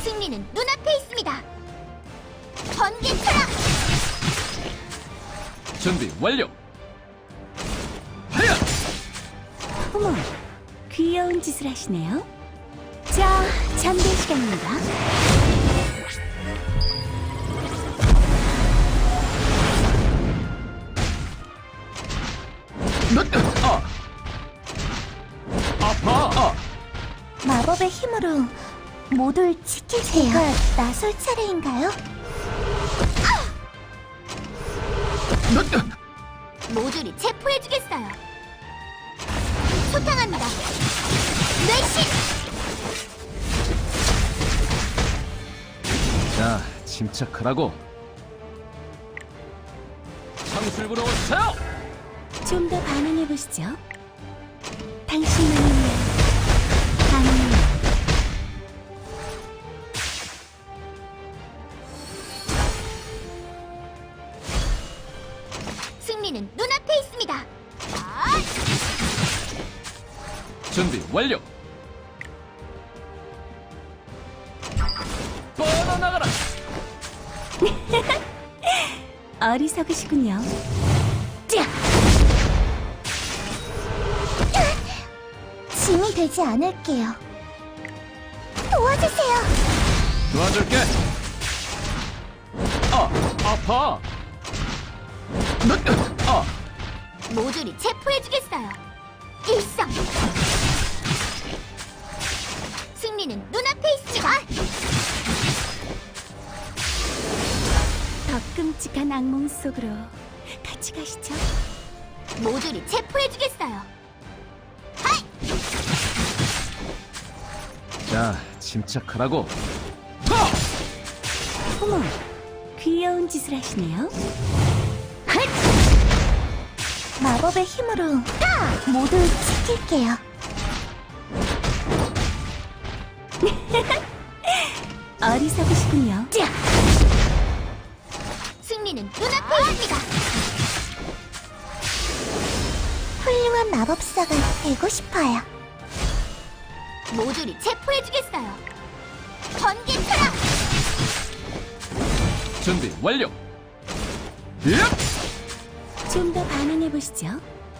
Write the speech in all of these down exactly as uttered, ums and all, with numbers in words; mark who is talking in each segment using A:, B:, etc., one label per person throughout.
A: 승리는 눈앞에 있습니다. 번개 타락!
B: 준비 완료. 하야!
C: 어머, 귀여운 짓을 하시네요. 자, 잠들 시간입니다.
B: 아! 아파! 아!
A: 마법의 힘으로 모두를 지키세요. 제가 나설 차례인가요? 모조리 체포해주겠어요. 소탕합니다. 뇌신!
B: 자, 침착하라고. 창술부로 오세요!
C: 좀 더 반응해 보시죠. 당신만을 위한 반응.
A: 승리는 눈앞에 있습니다. 아!
B: 준비 완료. 뻗어나가라.
C: 어리석으시군요.
A: 자! 짐이 되지 않을게요. 도와주세요.
B: 도와줄게. 아, 아파. 아,
A: 모조리 체포해주겠어요. 일성! 승리는 눈앞에 있습니다.
C: 더 끔찍한 악몽 속으로 같이 가시죠.
A: 모조리 체포해주겠어요. 하이!
B: 자, 침착하라고. 하!
C: 어머, 귀여운 짓을 하시네요.
A: 헛! 마법의 힘으로 모두를 지킬게요.
C: 어리석으시군요.
A: 자! 승리는 눈앞에 있습니다. 훌륭한 마법사가 되고 싶어요. 모조리 체포해주겠어요. 번개 타락!
B: 준비 완료. 예!
C: 좀 더 반응해 보시죠.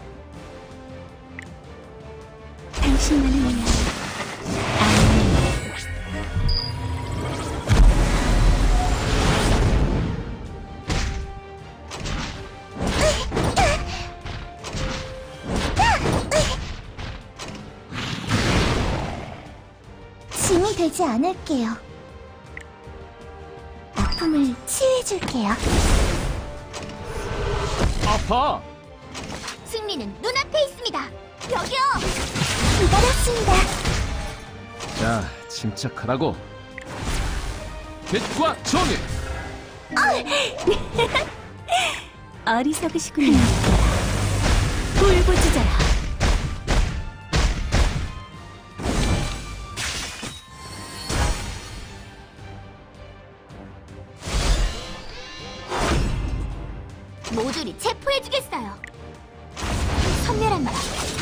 C: 당신만을 위한 안녕.
A: 짐이 되지 않을게요. 아픔을 치유해줄게요.
B: 아파.
A: 승리는 눈앞에 있습니다. 여기요! 기다렸습니다.
B: 자, 침착하라고. 빛과 정의.
C: 어리석으시군요. 불부지자라.
A: 모조리 체포해주겠어요. 선멸한 말.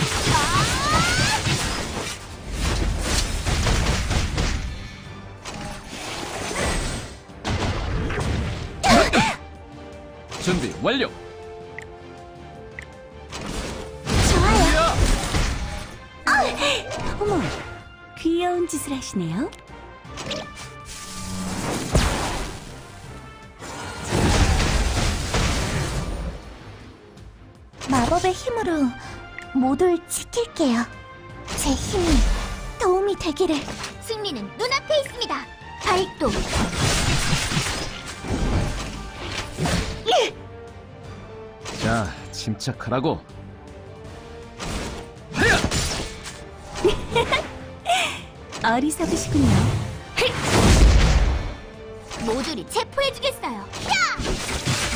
B: 준비 완료.
A: 좋아요.
B: 야!
C: 어머, 귀여운 짓을 하시네요.
A: 마법의 힘으로 모두를 지킬게요. 제 힘이 도움이 되기를. 승리는 눈앞에 있습니다. 발동.
B: 자, 침착하라고. 하야!
C: 어리석으시군요.
A: 모조리 체포해주겠어요. 야!